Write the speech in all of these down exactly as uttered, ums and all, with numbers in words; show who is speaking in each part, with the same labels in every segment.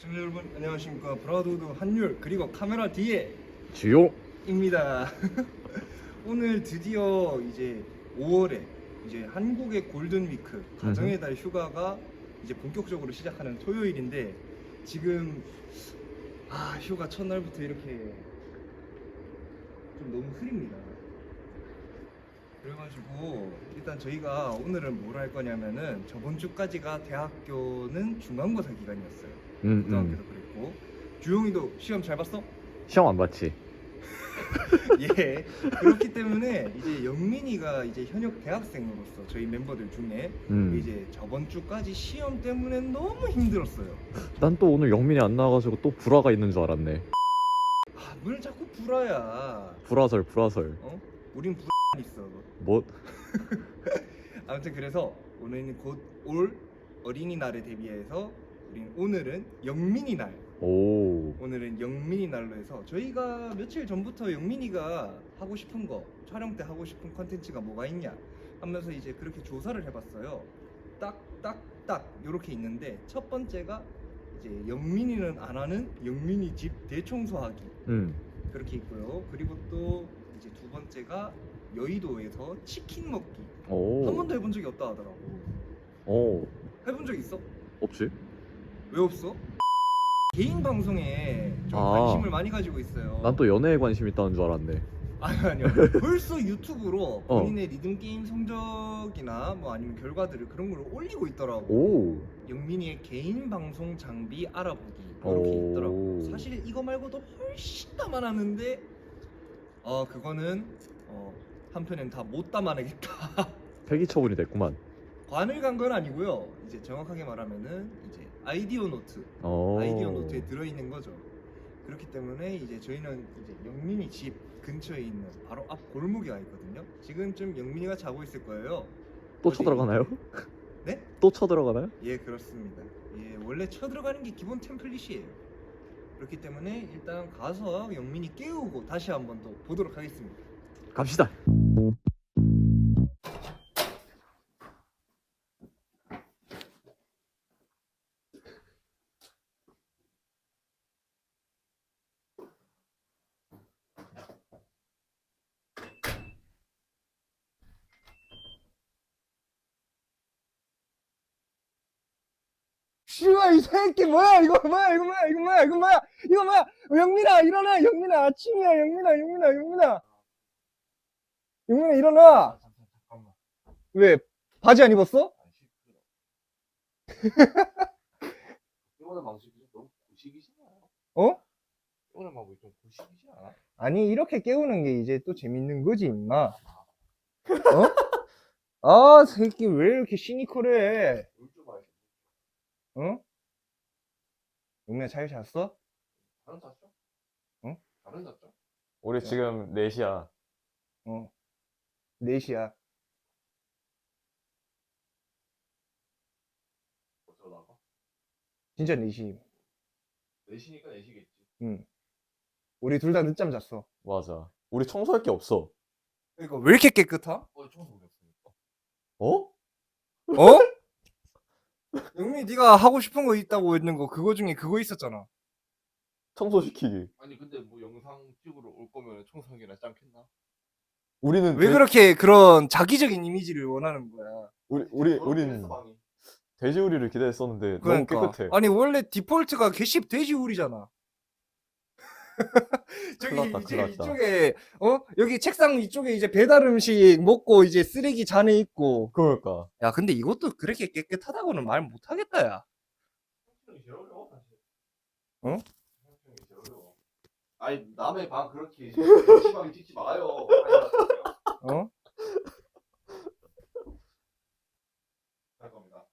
Speaker 1: 시청자 여러분 안녕하십니까. 브라더우드 한율 그리고 카메라 뒤에
Speaker 2: 주요입니다.
Speaker 1: 오늘 드디어 이제 오월에 이제 한국의 골든 위크 가정의 달 휴가가 이제 본격적으로 시작하는 토요일인데 지금 아 휴가 첫날부터 이렇게 좀 너무 흐립니다. 그래가지고 일단 저희가 오늘은 뭘 할 거냐면은 저번 주까지가 대학교는 중간고사 기간이었어요.
Speaker 2: 음,
Speaker 1: 고등학교도
Speaker 2: 음.
Speaker 1: 그랬고 주용이도 시험 잘 봤어?
Speaker 2: 시험 안 봤지?
Speaker 1: 예. 그렇기 때문에 이제 영민이가 이제 현역 대학생으로서 저희 멤버들 중에
Speaker 2: 음.
Speaker 1: 이제 저번 주까지 시험 때문에 너무 힘들었어요.
Speaker 2: 난 또 오늘 영민이 안 나와가지고 또 불화가 있는 줄 알았네.
Speaker 1: 아, 뭘 자꾸 불화야.
Speaker 2: 불화설, 불화설.
Speaker 1: 어? 우린 불화 있어.
Speaker 2: 뭐?
Speaker 1: 아무튼 그래서 오늘은 곧 올 어린이날에 대비해서 우린 오늘은 영민이 날.
Speaker 2: 오.
Speaker 1: 오늘은 영민이 날로 해서 저희가 며칠 전부터 영민이가 하고 싶은 거 촬영 때 하고 싶은 컨텐츠가 뭐가 있냐 하면서 이제 그렇게 조사를 해봤어요. 딱 딱 딱 요렇게 있는데 첫 번째가 이제 영민이는 안 하는 영민이 집 대청소하기
Speaker 2: 음.
Speaker 1: 그렇게 있고요. 그리고 또 이제 두 번째가 여의도에서 치킨 먹기.
Speaker 2: 오.
Speaker 1: 한 번도 해본 적이 없다 하더라고.
Speaker 2: 오.
Speaker 1: 해본 적 있어?
Speaker 2: 없지?
Speaker 1: 왜 없어? 개인 방송에 좀
Speaker 2: 아.
Speaker 1: 관심을 많이 가지고 있어요.
Speaker 2: 난 또 연애에 관심 있다는 줄 알았네.
Speaker 1: 아니 아니요. 벌써 유튜브로
Speaker 2: 어.
Speaker 1: 본인의 리듬 게임 성적이나 뭐 아니면 결과들을 그런 걸 올리고 있더라고.
Speaker 2: 오.
Speaker 1: 영민이의 개인 방송 장비 알아보기 이렇게
Speaker 2: 오.
Speaker 1: 있더라고. 사실 이거 말고도 훨씬 담아놨는데 어 그거는 어 한편엔 다 못 담아내겠다.
Speaker 2: 폐기 처분이 됐구만.
Speaker 1: 관을 간 건 아니고요. 이제 정확하게 말하면은 이제 아이디어 노트,
Speaker 2: 오.
Speaker 1: 아이디어 노트에 들어있는 거죠. 그렇기 때문에 이제 저희는 이제 영민이 집 근처에 있는 바로 앞 골목에 와 있거든요. 지금쯤 영민이가 자고 있을 거예요.
Speaker 2: 또
Speaker 1: 어디-
Speaker 2: 쳐들어가나요?
Speaker 1: 네?
Speaker 2: 또 쳐들어가나요?
Speaker 1: 예, 그렇습니다. 예, 원래 쳐들어가는 게 기본 템플릿이에요. 그렇기 때문에 일단 가서 영민이 깨우고 다시 한번 더 보도록 하겠습니다.
Speaker 2: 갑시다.
Speaker 1: 씨발 이 새끼 뭐야 이거 뭐야 이거 뭐야 이거 뭐야 이거 뭐야 이거 뭐야 영민아 일어나 영민아 아침이야 영민아 영민아 영민아 영민아 일어나.
Speaker 3: 잠깐만.
Speaker 1: 왜 바지 안 입었어?
Speaker 3: 이거는 방식이 너무 구식이지 않아?
Speaker 1: 어?
Speaker 3: 이거는 방식이 좀 구식이지 않아?
Speaker 1: 아니 이렇게 깨우는 게 이제 또 재밌는 거지 임마. 어? 아 새끼 왜 이렇게 시니컬해?
Speaker 3: 물좀 마셔.
Speaker 1: 어? 영민아 잘 잤어?
Speaker 3: 다른 잤죠?
Speaker 1: 응?
Speaker 3: 다른 잤죠?
Speaker 2: 우리 지금 네 시야.
Speaker 1: 어 네 시야.
Speaker 3: 어디로 나가?
Speaker 1: 진짜 네 시.
Speaker 3: 네 시니까 네 시겠지.
Speaker 1: 응. 우리 둘 다 늦잠 잤어.
Speaker 2: 맞아. 우리 청소할 게 없어.
Speaker 1: 이거 왜 이렇게 깨끗하?
Speaker 3: 어, 청소 못했으니까.
Speaker 2: 어?
Speaker 1: 어? 영민이 네가 하고 싶은 거 있다고 했는 거 그거 중에 그거 있었잖아.
Speaker 2: 청소시키기.
Speaker 3: 아니 근데 뭐 영상 찍으러 올 거면 청소하기 낫지 않겠나?
Speaker 2: 우리는
Speaker 1: 왜
Speaker 2: 돼-
Speaker 1: 그렇게 그런 자기적인 이미지를 원하는 거야?
Speaker 2: 우리 우리
Speaker 3: 저런
Speaker 2: 우린
Speaker 3: 댄스 방이.
Speaker 2: 돼지우리를 기대했었는데
Speaker 1: 그러니까.
Speaker 2: 너무 깨끗해.
Speaker 1: 아니 원래 디폴트가 개씹 돼지우리잖아. 저기
Speaker 2: 큰일 났다,
Speaker 1: 이제
Speaker 2: 큰일 났다.
Speaker 1: 이쪽에 어 여기 책상 이쪽에 이제 배달 음식 먹고 이제 쓰레기 잔에 있고.
Speaker 2: 그러니까.
Speaker 1: 야 근데 이것도 그렇게 깨끗하다고는 말 못하겠다 야.
Speaker 3: 청소하기 제일 어려워 사실.
Speaker 1: 어?
Speaker 3: 청소하기 제일 어려워. 아니 남의 방 그렇게 심하게 찍지 마요. 아니,
Speaker 1: 어?
Speaker 3: 할 겁니다.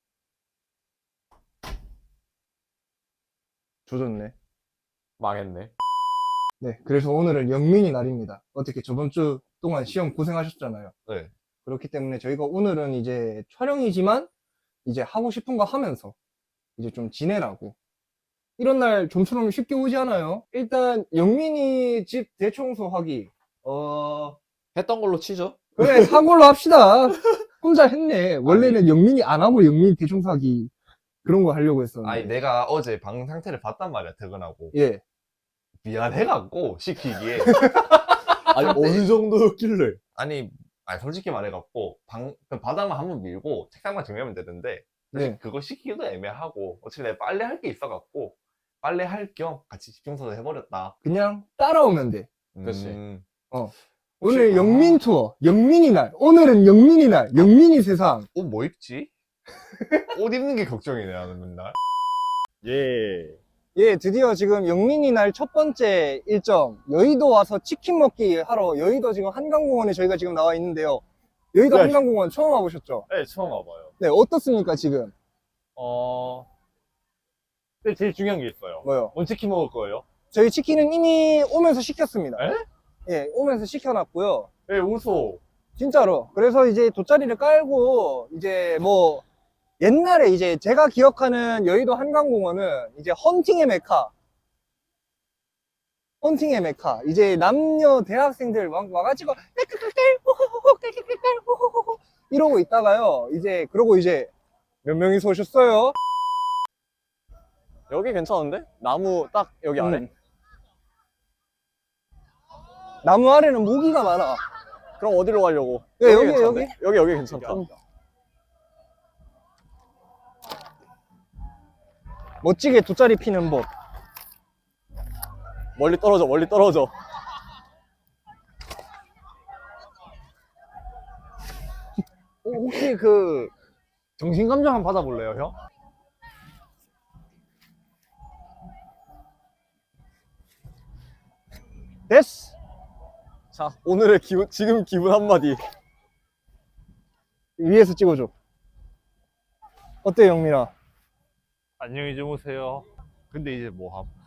Speaker 1: 조졌네.
Speaker 2: 망했네.
Speaker 1: 네, 그래서 오늘은 영민이 날입니다. 어떻게 저번 주 동안 시험 고생하셨잖아요.
Speaker 2: 네.
Speaker 1: 그렇기 때문에 저희가 오늘은 이제 촬영이지만 이제 하고 싶은 거 하면서 이제 좀 지내라고. 이런 날 좀처럼 쉽게 오지 않아요? 일단 영민이 집 대청소하기. 어
Speaker 2: 했던 걸로 치죠.
Speaker 1: 그래 사골로 합시다. 혼자 했네. 원래는 영민이 안 하고 영민이 대청소하기
Speaker 4: 그런 거 하려고 했었는데.
Speaker 5: 아니 내가 어제 방 상태를 봤단 말이야 퇴근하고.
Speaker 4: 예.
Speaker 5: 미안해갖고 시키기에.
Speaker 2: 아니 어느 정도였길래?
Speaker 5: 아니 아니 솔직히 말해갖고 방 그 바닥만 한번 밀고 책상만 정리하면 되는데 사실
Speaker 4: 네.
Speaker 5: 그거 시키기도 애매하고 어차피 내가 빨래 할 게 있어갖고 빨래 할 겸 같이 집중서도 해버렸다.
Speaker 4: 그냥 따라오면 돼.
Speaker 2: 그치.
Speaker 5: 음,
Speaker 4: 오늘
Speaker 5: 아.
Speaker 4: 영민 투어, 영민이 날. 오늘은 영민이 날, 영민이 세상.
Speaker 5: 옷 뭐 입지? 옷 입는 게 걱정이네 나는 맨날.
Speaker 2: 예.
Speaker 4: 예, 드디어 지금 영민이 날 첫 번째 일정, 여의도 와서 치킨 먹기 하러 여의도 지금 한강공원에 저희가 지금 나와 있는데요. 여의도
Speaker 2: 네.
Speaker 4: 한강공원 처음 와보셨죠?
Speaker 2: 네 처음 와봐요.
Speaker 4: 네, 어떻습니까, 지금?
Speaker 2: 어. 근데 제일 중요한 게 있어요.
Speaker 4: 뭐요?
Speaker 2: 뭔 치킨 먹을 거예요?
Speaker 4: 저희 치킨은 이미 오면서 시켰습니다.
Speaker 2: 에?
Speaker 4: 예, 오면서 시켜놨고요.
Speaker 2: 네 웃어.
Speaker 4: 진짜로. 그래서 이제 돗자리를 깔고, 이제 뭐, 옛날에 이제 제가 기억하는 여의도 한강공원은 이제 헌팅의 메카. 헌팅의 메카. 이제 남녀 대학생들 와, 와가지고, 깔깔깔깔, 호호호호, 깔깔깔깔, 호호호호. 이러고 있다가요. 이제, 그러고 이제, 몇 명이서 오셨어요?
Speaker 2: 여기 괜찮은데? 나무 딱 여기 아래.
Speaker 4: 음. 나무 아래는 모기가 많아.
Speaker 2: 그럼 어디로 가려고?
Speaker 4: 예, 여기,
Speaker 2: 괜찮은데?
Speaker 4: 여기.
Speaker 2: 여기 여기 괜찮다.
Speaker 4: 멋지게 돗자리 피는 법.
Speaker 2: 멀리 떨어져 멀리 떨어져.
Speaker 5: 어, 혹시 그 정신감정 한번 받아볼래요 형?
Speaker 4: 됐어.
Speaker 2: 자 오늘의 기분 지금 기분 한마디.
Speaker 4: 위에서 찍어줘. 어때, 영민아?
Speaker 5: 안녕히 주무세요. 근데 이제 뭐 함?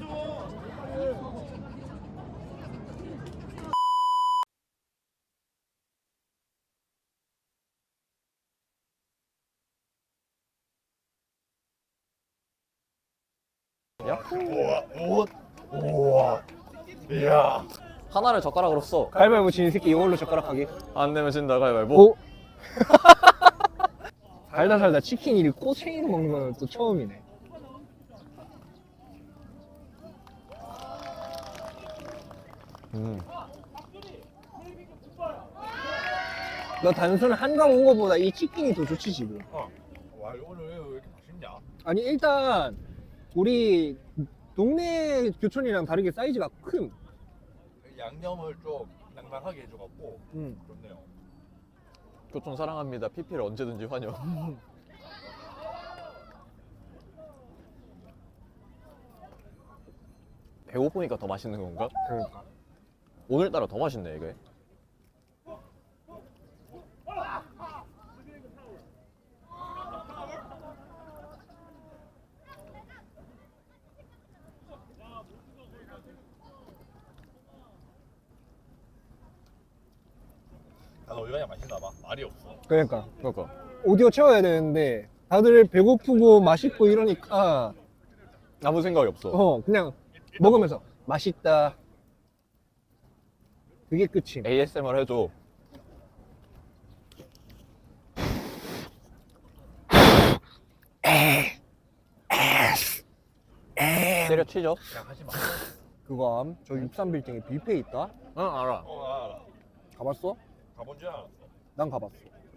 Speaker 2: 하나를 젓가락으로 써.
Speaker 4: 가위바위보 지는 새끼 이걸로 젓가락 하기.
Speaker 2: 안 내면 진다 가위바위보.
Speaker 4: 오. 살다 살다 치킨 이 꼬챙이로 먹는 건 또 처음이네.
Speaker 2: 음.
Speaker 4: 너 단순 한강 온 거보다 이 치킨이 더 좋지 지금.
Speaker 3: 와 오늘 왜 이렇게 맛있냐?
Speaker 4: 아니 일단 우리 동네 교촌이랑 다르게 사이즈가 큰.
Speaker 3: 양념을 좀 낭낭하게 해줘갖고
Speaker 4: 음.
Speaker 3: 좋네요.
Speaker 2: 교촌 사랑합니다. 피피를 언제든지 환영. 배고프니까 더 맛있는 건가?
Speaker 4: 그러니까.
Speaker 2: 오늘따라 더 맛있네 이게.
Speaker 3: 난 어디가냐 맛있나 봐. 말이 없어.
Speaker 4: 그러니까
Speaker 2: 그러니까.
Speaker 4: 오디오 채워야 되는데 다들 배고프고 맛있고 이러니까
Speaker 2: 아무 생각이 없어.
Speaker 4: 어 그냥 먹으면서 맛있다. 그게 끝임.
Speaker 2: 에이에스엠알 해줘. 때려치죠?
Speaker 3: 그냥 하지 마.
Speaker 4: 그거 암? 저 육삼 빌딩에 뷔페 있다?
Speaker 2: 응 알아.
Speaker 3: 어, 나 알아.
Speaker 4: 가봤어?
Speaker 3: 가본 줄 알았어.
Speaker 4: 난 가봤어.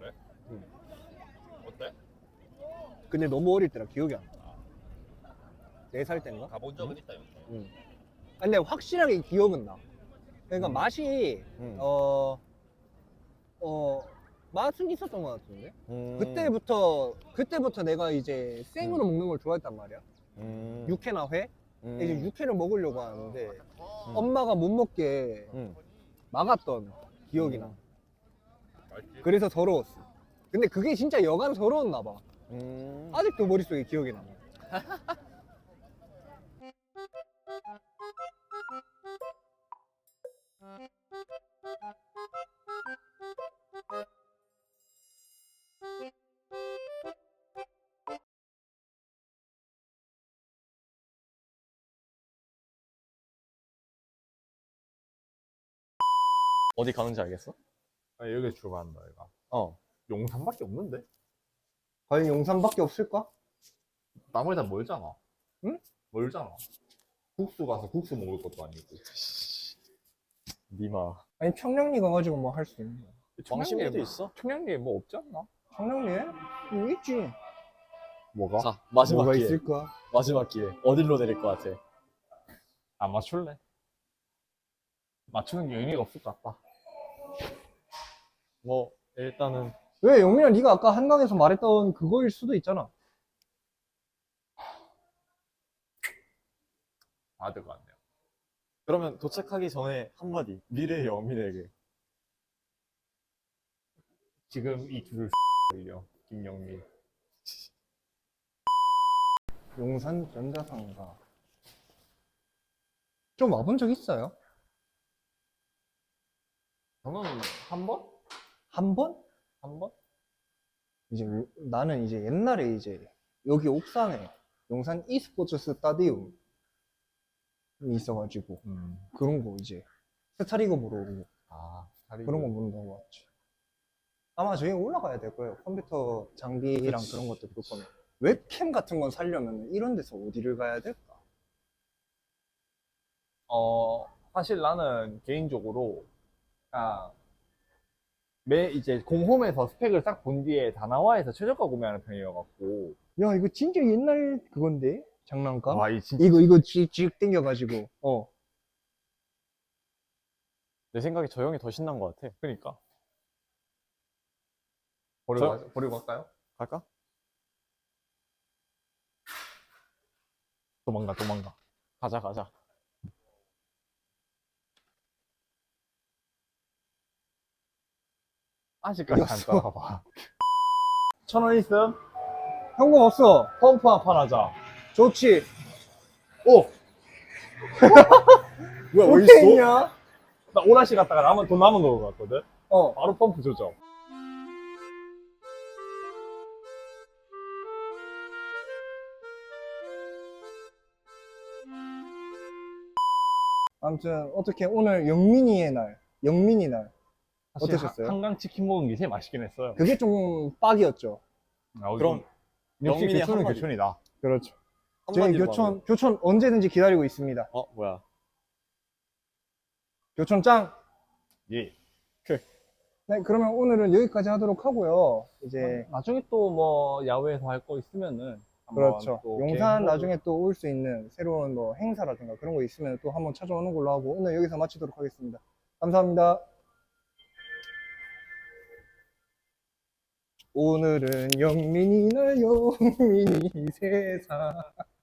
Speaker 3: 어때?
Speaker 4: 근데 너무 어릴 때라 기억이 안 나. 네 살 때인가?
Speaker 3: 가본 적은 있다 여기.
Speaker 4: 응. 근데 확실하게 기억은 나. 그러니까 맛이
Speaker 2: 음.
Speaker 4: 어, 어, 맛은 있었던 것 같은데?
Speaker 2: 음.
Speaker 4: 그때부터, 그때부터 내가 이제 생으로 먹는 걸 좋아했단 말이야.
Speaker 2: 음.
Speaker 4: 육회나 회?
Speaker 2: 음.
Speaker 4: 이제 육회를 먹으려고 하는데, 엄마가 못 먹게
Speaker 2: 음.
Speaker 4: 막았던 기억이 나.
Speaker 2: 음.
Speaker 3: 맛있지?
Speaker 4: 그래서 서러웠어. 근데 그게 진짜 여간 서러웠나 봐.
Speaker 2: 음.
Speaker 4: 아직도 머릿속에 기억이 나.
Speaker 2: 어디 가는지 알겠어?
Speaker 3: 아 여기 출발한다 얘가.
Speaker 2: 어.
Speaker 3: 용산밖에 없는데?
Speaker 4: 과연 용산밖에 없을까?
Speaker 5: 나물단 멀잖아.
Speaker 4: 응?
Speaker 5: 멀잖아. 국수 가서 국수 먹을 것도 아니고.
Speaker 2: 니마.
Speaker 4: 아니 청량리 가가지고 뭐 할 수 있는 거야.
Speaker 2: 왕십리도 있어?
Speaker 5: 청량리에 뭐 없지 않나?
Speaker 4: 청량리에? 뭐 있지.
Speaker 5: 뭐가?
Speaker 2: 자, 마지막
Speaker 4: 뭐가
Speaker 2: 기회.
Speaker 4: 있을까?
Speaker 2: 마지막 기회. 어디로 내릴 것 같아?
Speaker 5: 안 맞출래? 맞추는 게 의미가 없을 것 같다.
Speaker 2: 뭐 일단은
Speaker 4: 왜 영민아 네가 아까 한강에서 말했던 그거일 수도 있잖아.
Speaker 5: 아들 것 같네요.
Speaker 2: 그러면 도착하기 전에 한마디 미래의 영민에게.
Speaker 5: 지금 이 줄을 올려. 김영민.
Speaker 4: 용산 전자상가. 좀 와본 적 있어요?
Speaker 5: 저는 한 번?
Speaker 4: 한 번?
Speaker 5: 한 번?
Speaker 4: 이제 요- 나는 이제 옛날에 이제 여기 옥상에 용산 e스포츠 스타디움이 있어가지고
Speaker 5: 음.
Speaker 4: 그런 거 이제 스타리그 보러 오고
Speaker 5: 아, 다리.
Speaker 4: 그런 거 본다고 왔지. 아마 저희 올라가야 될 거예요. 컴퓨터 장비랑
Speaker 5: 그치.
Speaker 4: 그런 것들 볼 거면. 웹캠 같은 건 사려면 이런 데서 어디를 가야 될까?
Speaker 5: 어, 사실 나는 개인적으로, 아, 매 이제 공홈에서 스펙을 싹 본 뒤에 다나와에서 최저가 구매하는 편이어갖고.
Speaker 4: 야, 이거 진짜 옛날 그건데? 장난감?
Speaker 5: 와, 이 진짜.
Speaker 4: 이거, 이거 쥐, 쥐 땡겨가지고. 어.
Speaker 2: 내 생각에 저 형이 더 신난 것 같아.
Speaker 5: 그니까. 버리고,
Speaker 2: 저-
Speaker 5: 가- 버리고 갈까요?
Speaker 2: 갈까?
Speaker 5: 도망가, 도망가.
Speaker 2: 가자 가자.
Speaker 5: 아직까지 안
Speaker 4: 이겼어.
Speaker 5: 따라가봐. 천 원 있음?
Speaker 4: 현금 없어.
Speaker 5: 펌프 한 판 하자.
Speaker 4: 좋지.
Speaker 5: 오!
Speaker 2: 뭐야
Speaker 4: 어떻게 했냐?
Speaker 5: 나 오라시 갔다가 남은, 돈 남은 거 갔거든?
Speaker 4: 어.
Speaker 5: 바로 펌프 조정.
Speaker 4: 아무튼, 어떻게 오늘 영민이의 날, 영민이 날.
Speaker 5: 사실
Speaker 4: 어떠셨어요?
Speaker 5: 한- 한강 치킨 먹은 게 제일 맛있긴 했어요.
Speaker 4: 그게 좀 빡이었죠.
Speaker 5: 아,
Speaker 2: 그럼
Speaker 5: 역시
Speaker 2: 영민이
Speaker 5: 교촌은
Speaker 2: 한마디.
Speaker 5: 교촌이다.
Speaker 4: 그렇죠. 저희
Speaker 2: 한마디로
Speaker 4: 교촌,
Speaker 2: 하면.
Speaker 4: 교촌 언제든지 기다리고 있습니다.
Speaker 2: 어 뭐야?
Speaker 4: 교촌 짱!
Speaker 5: 예.
Speaker 4: 네, 그러면 오늘은 여기까지 하도록 하고요. 이제,
Speaker 5: 나중에 또 뭐 야외에서 할 거 있으면은 한번
Speaker 4: 그렇죠.
Speaker 5: 또
Speaker 4: 용산
Speaker 5: 계획해보고.
Speaker 4: 나중에 또 올 수 있는 새로운 뭐 행사라든가 그런 거 있으면 또 한번 찾아오는 걸로 하고 오늘 여기서 마치도록 하겠습니다. 감사합니다. 오늘은 영민이 날 영민이 세상